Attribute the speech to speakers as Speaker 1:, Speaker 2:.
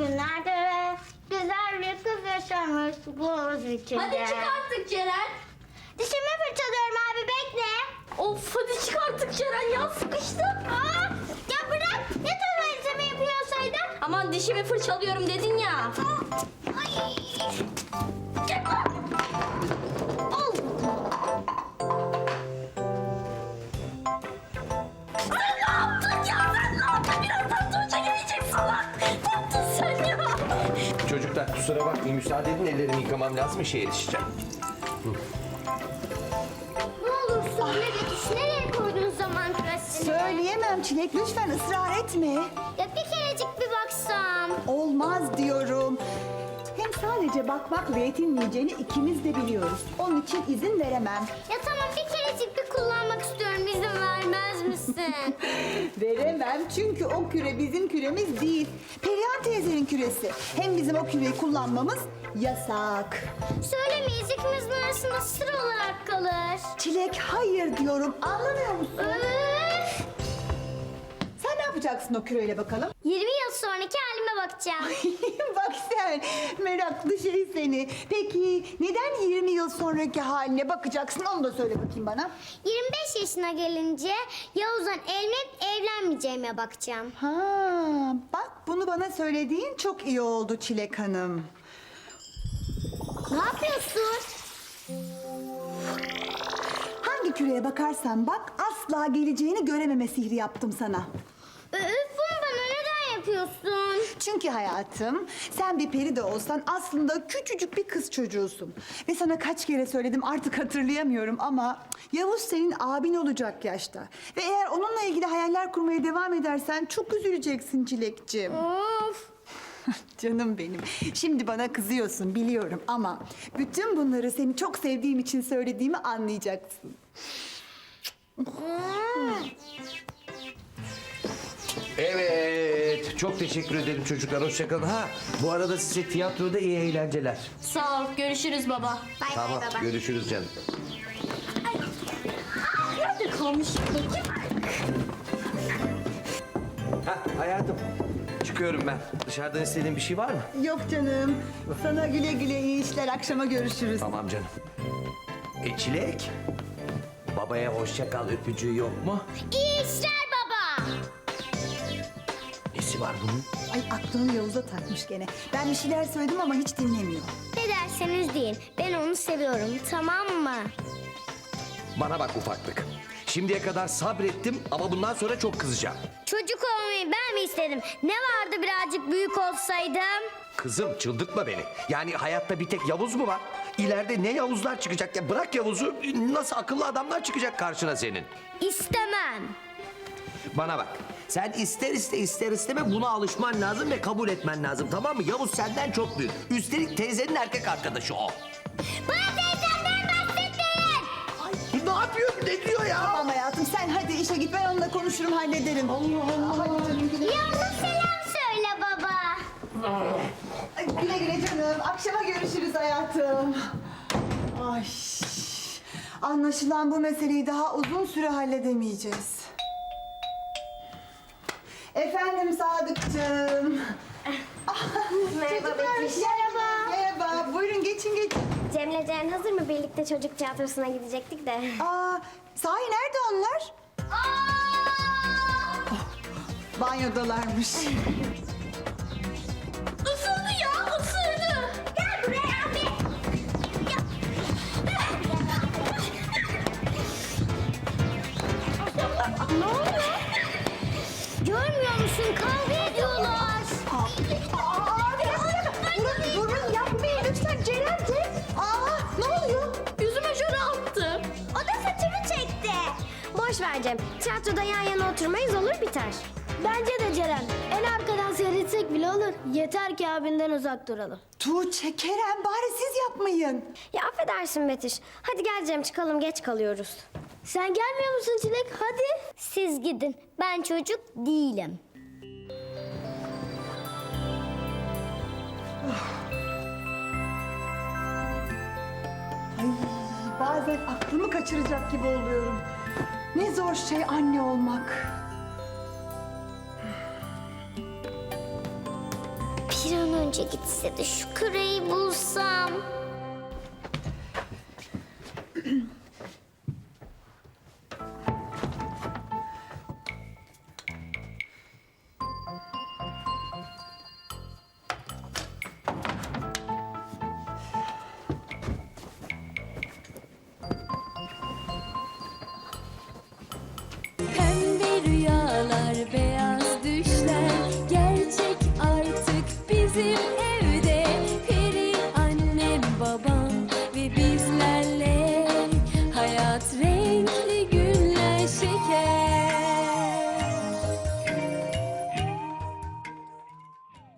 Speaker 1: günlerde ve güzel bir kız yaşamış buz içinde.
Speaker 2: Hadi çık artık Ceren.
Speaker 1: Dişimi fırçalıyorum abi, bekle.
Speaker 2: Of hadi çık artık Ceren ya, sıkıştım.
Speaker 1: Ya bırak, ne tuvaletimi yapıyorsaydın.
Speaker 2: Aman dişimi fırçalıyorum dedin ya.
Speaker 1: Ay.
Speaker 2: Gel lan. Al. Sen ne yaptın ya? Sen ne yaptın? Birazdan Tuğçe gelecek salak. Ne yaptın sen ya?
Speaker 3: Çocuklar kusura bakmayın, müsaade edin, ellerimi yıkamam lazım, işe yetişeceğim.
Speaker 1: Ne olur söyle Betüş, nereye koydun zaman küresini?
Speaker 4: Söyleyemem Çilek, lütfen ısrar etme.
Speaker 1: Ya bir kerecik bir baksam.
Speaker 4: Olmaz diyorum. Hem sadece bakmakla yetinmeyeceğini ikimiz de biliyoruz. Onun için izin veremem.
Speaker 1: Ya tamam, bir kerecik bir kullanmak istiyorum, izin vermez misin?
Speaker 4: Veremem çünkü o küre bizim küremiz değil. Perihan teyzenin küresi. Hem bizim o küreyi kullanmamız yasak.
Speaker 1: Söylemeyiz, ikimizin arasında sır olarak kalır.
Speaker 4: Çilek hayır diyorum, anlamıyor musun?
Speaker 1: Öf!
Speaker 4: Sen ne yapacaksın o küreyle bakalım?
Speaker 1: 20 yıl sonraki halime bakacağım.
Speaker 4: Bak sen, meraklı şey seni. Peki neden 20 yıl sonraki haline bakacaksın, onu da söyle bakayım bana.
Speaker 1: 25 yaşına gelince Yavuz'dan evlenip evlenmeyeceğime bakacağım.
Speaker 4: Ha, bak bunu bana söylediğin çok iyi oldu Çilek Hanım.
Speaker 1: Ne yapıyorsun?
Speaker 4: Hangi küreye bakarsan bak asla geleceğini görememe sihri yaptım sana.
Speaker 1: Öf, bunu bana neden yapıyorsun?
Speaker 4: Çünkü hayatım sen bir peri de olsan aslında küçücük bir kız çocuğusun. Ve sana kaç kere söyledim artık hatırlayamıyorum ama Yavuz senin abin olacak yaşta. Ve eğer onunla ilgili hayaller kurmaya devam edersen çok üzüleceksin Çilekciğim.
Speaker 1: Of!
Speaker 4: Canım benim. Şimdi bana kızıyorsun biliyorum ama bütün bunları seni çok sevdiğim için söylediğimi anlayacaksın.
Speaker 3: Evet, çok teşekkür ederim çocuklar, hoşça kalın. Ha, bu arada size tiyatroda iyi eğlenceler.
Speaker 2: Sağ ol, görüşürüz baba.
Speaker 1: Bay
Speaker 3: Tamam,
Speaker 1: bay baba.
Speaker 3: görüşürüz canım.
Speaker 2: Nerede kalmış?
Speaker 3: Ha, hayatım, çıkıyorum ben. Dışarıdan istediğin bir şey var mı?
Speaker 4: Yok canım. Sana güle güle iyi işler. Akşama görüşürüz.
Speaker 3: Tamam canım. Çilek, babaya hoşça kal öpücüğü yok mu?
Speaker 1: İyi işler baba.
Speaker 3: Nesi var bunun?
Speaker 4: Ay aklını Yavuz'a takmış gene. Ben bir şeyler söyledim ama hiç dinlemiyor.
Speaker 1: Ne derseniz deyin, ben onu seviyorum, tamam mı?
Speaker 3: Bana bak ufaklık. Şimdiye kadar sabrettim ama bundan sonra çok kızacağım.
Speaker 1: Çocuk olmayı ben mi istedim? Ne vardı birazcık büyük olsaydım?
Speaker 3: Kızım çıldırtma beni. Yani hayatta bir tek Yavuz mu var? İleride ne Yavuzlar çıkacak ya? Bırak Yavuz'u, nasıl akıllı adamlar çıkacak karşına senin?
Speaker 1: İstemem.
Speaker 3: Bana bak. Sen ister isteme buna alışman lazım ve kabul etmen lazım, tamam mı? Yavuz senden çok büyük. Üstelik teyzenin erkek arkadaşı o.
Speaker 1: Bana teyzemden bahsetmeyin.
Speaker 3: Ne yapıyor? Ne diyor ya?
Speaker 4: Tamam hayatım sen hadi işe git. Ben onunla konuşurum hallederim. Allah Allah. Hadi canım güle.
Speaker 1: Yavuz selam söyle baba.
Speaker 4: Ay, güle güle canım. Akşama görüşürüz hayatım. Ay. Anlaşılan bu meseleyi daha uzun süre halledemeyeceğiz. Efendim Sadıkçığım.
Speaker 5: Merhaba
Speaker 4: Çocuklar,
Speaker 5: Betüş.
Speaker 4: Merhaba. Buyurun geçin.
Speaker 5: Cem'le Ceren hazır mı? Birlikte çocuk tiyatrosuna gidecektik de.
Speaker 4: Aa, sahi nerede onlar? Banyodalarmış.
Speaker 2: Isırdı ya, ısırdı.
Speaker 1: Gel buraya abi.
Speaker 2: Ne oluyor?
Speaker 1: Görmüyor musun? Kavga ediyorlar.
Speaker 4: Durun yapmayın lütfen Ceren'ciğim. Aa, ne oluyor?
Speaker 2: Yüzüme jöle attı.
Speaker 1: O da saçımı çekti.
Speaker 5: Boş ver Cem. Tiyatroda yan yana oturmayız, olur biter.
Speaker 6: Bence de Ceren. En arkadan seyretsek bile olur. Yeter ki abinden uzak duralım.
Speaker 4: Tuğçe, Kerem bari siz yapmayın.
Speaker 5: Ya affedersin Betüş. Hadi gel Cem, çıkalım, geç kalıyoruz.
Speaker 6: Sen gelmiyor musun Çilek? Hadi.
Speaker 1: Siz gidin. Ben çocuk değilim.
Speaker 4: Bazen aklımı kaçıracak gibi oluyorum. Ne zor şey anne olmak.
Speaker 1: Bir an önce gitse de şu küreyi bulsam.